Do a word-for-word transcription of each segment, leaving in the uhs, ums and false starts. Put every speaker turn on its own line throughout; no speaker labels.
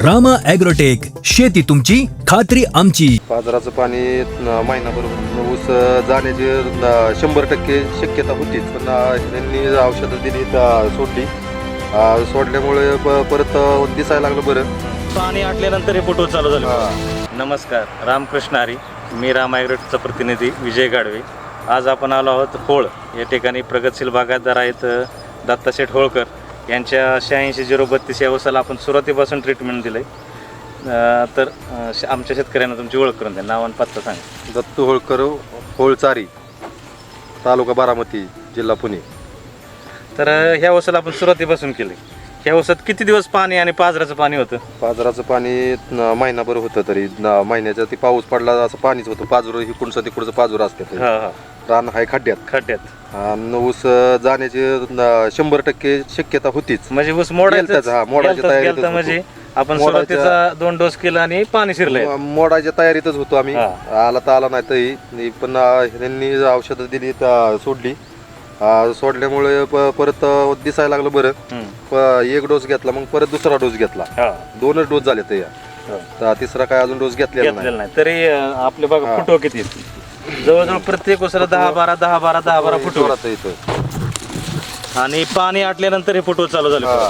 Rama agrotech, शेती तुमची खात्री आमची.
पाजराचं पाणी न- महिनाभर ऊस जाण्याची न- शंभर टक्के शक्यता होतीच, पण अं, त्यांनी औषधं दिली तर सोडली. अं, सोडल्यामुळे प- परत अं, दिसायला लागलं बरं.
पाणी आटल्यानंतर हे फोटो चालू झाले.
हा.
नमस्कार, रामकृष्ण हरी. मी राम ॲग्रोटेकचा प्रतिनिधी विजय गाडवे. आज आपण आलो आहोत होळ या ठिकाणी. प्रगतशील बागायतदार आहेत दत्ताशेठ होळकर यांच्या शहाऐंशी झिरो बत्तीस या ऊसाला आपण सुरुवातीपासून ट्रीटमेंट दिलं आहे. तर अं, श- आमच्या शेतकऱ्यांना तुमची ओळख करून द्या, नाव आणि पत्ता सांगा.
दत्तू होळकर, होळचारी, तालुका बारामती, जिल्हा पुणे.
तर अं, ह्या ऊसाला आपण सुरुवातीपासून केले. ह्या ऊसात किती दिवस पाणी आणि पाजराचं पाणी होतं?
पाजराचं पाणी न- महिनाभर होतं, तरी न- महिन्याच्या ती पाऊस पडला असं पाणीच होतं. पाजूर इकडचं तिकडचं पाजूर असते.
हां हां,
रान आहे खड्ड्यात.
खड्ड्यात.
आणि ऊस जाण्याची न- शंभर टक्के शक्यता होतीच.
म्हणजे ऊस मोडायचं
गेलताच, हा, मोडायच्या तयारीतच होतो.
म्हणजे आपण
मोडायच्या-
सुरुवातीचा दोन डोस केला आणि पाणी शिरलंय.
म- मोडायच्या तयारीतच होतो आम्ही.
हा.
आला तर आला नाही तरी पण अं, त्यांनी औषधं दिली तर सोडली. अं, सोडल्यामुळे प- परत अं, दिसायला लागलं बरं.
हम्म.
प- एक डोस घेतला, मग परत दुसरा डोस घेतला.
हा.
दोनच डोस झाले ते.
हो.
तर तिसरा काय अजून डोस घेतलेला नाही.
घेतलेलं नाही तरी अं, आपले बघा
हा.
फुटो किती आहेत. जवळजवळ प्रत्येक उसाला दहा बारा दहा बारा दहा बारा फुटो
जोरात आहे इथं.
आणि पाणी आटल्यानंतर हे फुटो चालू झाले.
हा.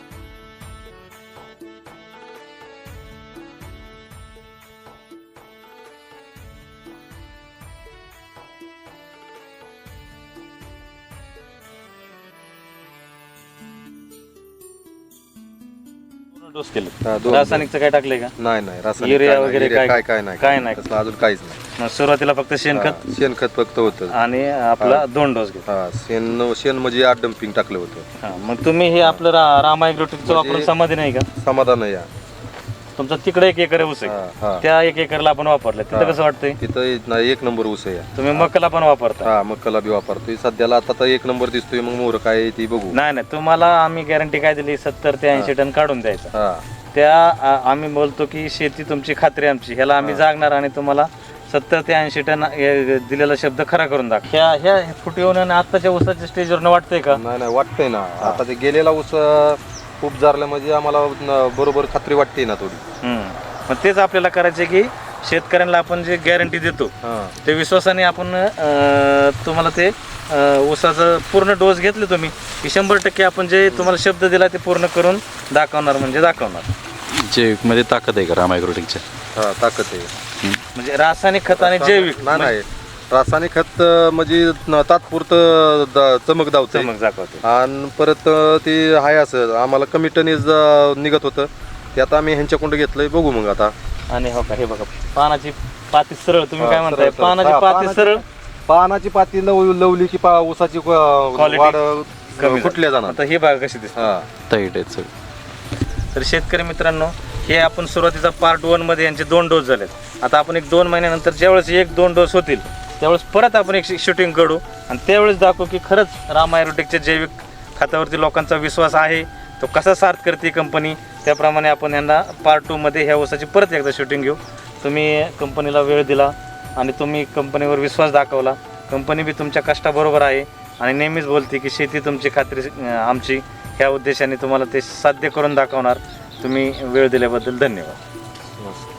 डोस केले.
हा, दोन-
रासायनिकचं काय टाकलंय का?
नाही नाही रासायनिक
युरिया
काय नाही,
वगैरे
युरिया
काय-
काय काय नाही
काय नाही.
तसलं अजून काहीच नाही.
मग सुरुवातीला फक्त शेणखत
हा, शेणखत फक्त होतं.
आणि आपला दोन डोस घेतला.
हा, शेण शेण म्हणजे आठ डम्पिंग टाकलं होतं.
हा, मग तुम्ही हे आपलं रा- रामा ॲग्रोटेकचं
म्हणजे-
वापरून समाधी नाही का?
समाधान आहे या.
तुमचा तिकडे एक एकर ऊस आहे,
हा, हा.
त्या एक एकरला आपण वापरलं. तिथं
हा.
कसं वाटतंय?
तिथं ना एक नंबर ऊस आहे या.
तुम्ही मकाला पण वापरता?
हा, मक्काला बी वापरतोय सध्याला. आता तर एक नंबर दिसतोय, मग मोर काय आहे ती बघू.
नाही नाही, तुम्हाला आम्ही गॅरंटी काय दिली? सत्तर ते ऐंशी टन काढून द्यायचं.
हा,
त्या आ- आम्ही बोलतो की शेती तुमची खात्री आमची, ह्याला आम्ही जागणार आणि तुम्हाला सत्तर ते ऐंशी टन हे दिलेला शब्द खरा करून दाख. ह्या ह्या फुटवून आणि आत्ताच्या ऊसाच्या स्टेजवर वाटतंय का?
नाही नाही वाटतंय ना. आता ते गेलेला ऊस अं, खूप जारला म्हणजे आम्हाला न- बरोबर खात्री वाटते ना थोडी.
हम्म. मग तेच आपल्याला करायचं की शेतकऱ्यांना आपण जे गॅरंटी देतो
हा,
ते विश्वासाने आपण अं, तुम्हाला ते अं, ऊसाचं पूर्ण डोस घेतले तुम्ही की शंभर टक्के आपण जे तुम्हाला शब्द दिला ते पूर्ण करून दाखवणार म्हणजे दाखवणार.
जैविकमध्ये ताकद आहे का राम ॲग्रोटेकच्या?
हा, ताकद आहे.
म्हणजे रासायनिक खत आणि जैविक
नाही नाही रासायनिक खत अं, म्हणजे न- तात्पुरतं द- चमक दावतं.
चमक दाखवते.
आणि परत अं, ते आहे असं आम्हाला कमी टनेज अं, निघत होतं. ते आता आम्ही ह्यांच्याकडून घेतलंय, बघू मग आता.
आणि हो का, हे बघा पानाची पाती सरळ. तुम्ही
हा,
काय म्हणताय?
सरळ, सरळ.
पानाची
हा,
पाती
पानाची-
सरळ.
पानाची पाती लव लवली की पा ऊसाची अं,
Quality
वाढ
कमी
कुठल्या जाणार.
आता हे बघा कशी दिसते.
हा,
टाईट आहेत सगळं.
तर शेतकरी मित्रांनो, हे आपण सुरुवातीचा पार्ट वन मध्ये यांचे दोन डोस झालेत. आता आपण एक दोन महिन्यानंतर ज्यावेळेस एक दोन डोस होतील त्यावेळेस परत आपण एक शूटिंग करू आणि त्यावेळेस दाखवू की खरंच रामा ॲग्रोटेकच्या जैविक खतावरती लोकांचा विश्वास आहे, तो कसा सार्थ करते कंपनी. त्याप्रमाणे आपण यांना पार्ट टू मध्ये ह्या ऊसाची परत एकदा शूटिंग घेऊ. तुम्ही कंपनीला वेळ दिला आणि तुम्ही कंपनीवर विश्वास दाखवला. कंपनी बी तुमच्या कष्टाबरोबर आहे आणि नेहमीच बोलते की शेती तुमची खात्री अं, आमची. ह्या उद्देशाने तुम्हाला ते साध्य करून दाखवणार. तुम्ही वेळ दिल्याबद्दल धन्यवाद.
मस्त.